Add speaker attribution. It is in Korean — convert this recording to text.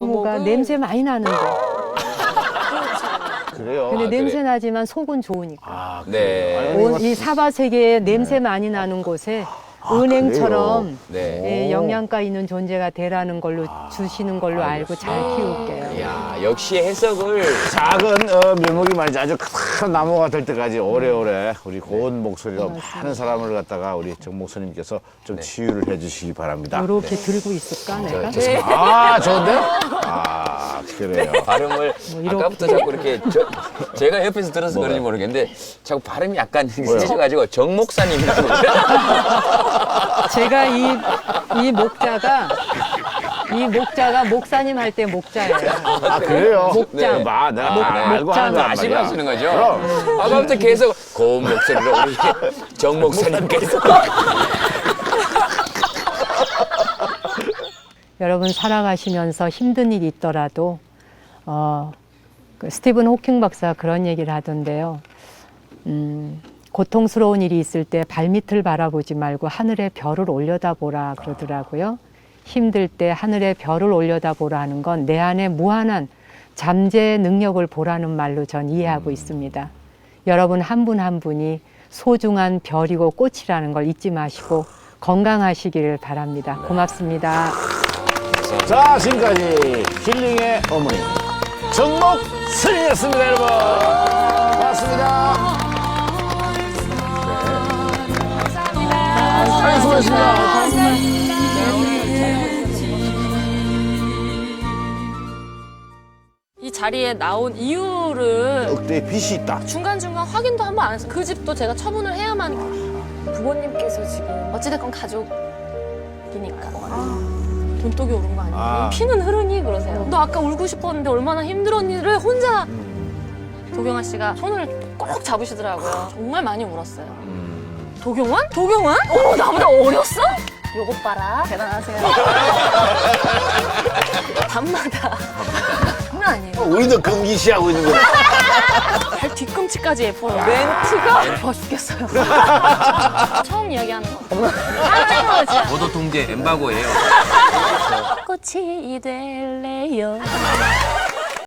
Speaker 1: 뭐가 냄새 많이 나는데.
Speaker 2: 그래요.
Speaker 1: 근데
Speaker 2: 아,
Speaker 1: 냄새
Speaker 2: 그래.
Speaker 1: 나지만 속은 좋으니까.
Speaker 2: 아,
Speaker 3: 네.
Speaker 2: 그래요?
Speaker 1: 이 사바 세계에 냄새 많이 나는 곳에 은행처럼
Speaker 3: 네.
Speaker 1: 예, 영양가 있는 존재가 되라는 걸로 주시는 걸로 알고 잘 키울게요.
Speaker 3: 이야, 역시 해석을.
Speaker 2: 작은 묘목이 말이지 아주 큰 나무가 될 때까지 오래오래 우리 고운 목소리로 많은 사람을 갖다가 우리 정 목사님께서 좀 치유를 해주시기 바랍니다.
Speaker 1: 이렇게 들고 있을까 내가?
Speaker 2: 아, 좋은데? 아, 그래요.
Speaker 3: 발음을
Speaker 1: 이렇게.
Speaker 3: 아까부터 자꾸 이렇게 제가 옆에서 들어서 그런지 모르겠는데 자꾸 발음이 약간 세져가지고 정 목사님이라고
Speaker 1: 제가 이 목자가 목사님 할 때 목자예요.
Speaker 2: 아, 그래요?
Speaker 1: 목장.
Speaker 2: 네. 마, 내가 알고 하는 거란
Speaker 3: 아시고
Speaker 2: 말이야.
Speaker 3: 하시는 거죠?
Speaker 2: 그럼.
Speaker 3: 아까부터 계속 고운 목소리로 우리 정 목사님께서
Speaker 1: 여러분 살아가시면서 힘든 일이 있더라도 그 스티븐 호킹 박사가 그런 얘기를 하던데요. 고통스러운 일이 있을 때 발밑을 바라보지 말고 하늘의 별을 올려다보라 그러더라고요. 힘들 때 하늘의 별을 올려다보라 하는 건 내 안에 무한한 잠재 능력을 보라는 말로 전 이해하고 있습니다. 여러분 한 분 한 분이 소중한 별이고 꽃이라는 걸 잊지 마시고 건강하시기를 바랍니다. 고맙습니다.
Speaker 2: 자, 지금까지 힐링의 어머니 정목 스님이었습니다, 여러분. 고맙습니다. 아유, 수고하셨습니다.
Speaker 4: 이 자리에 나온 이유를
Speaker 2: 억대의 빚이 있다.
Speaker 4: 중간중간 확인도 한번 안 해서 그 집도 제가 처분을 해야만 부모님께서 지금 어찌됐건 가족이니까 돈독이 오른 거 아니에요?
Speaker 2: 아.
Speaker 4: 피는 흐르니 그러세요. 너 아까 울고 싶었는데 얼마나 힘들었니를 혼자 도경아 씨가 손을 꼭 잡으시더라고요. 정말 많이 울었어요. 도경원? 도경원? 나보다 어렸어? 요것 봐라. 대단하세요. 밤마다. 장난 아니에요.
Speaker 2: 우리도 금기시하고 있는 거야.
Speaker 4: 발 뒤꿈치까지 예뻐요. 멘트가 예뻐 죽겠어요. 처음 이야기하는 거.
Speaker 3: 보도 통제 엠바고예요.
Speaker 4: 꽃이 될래요.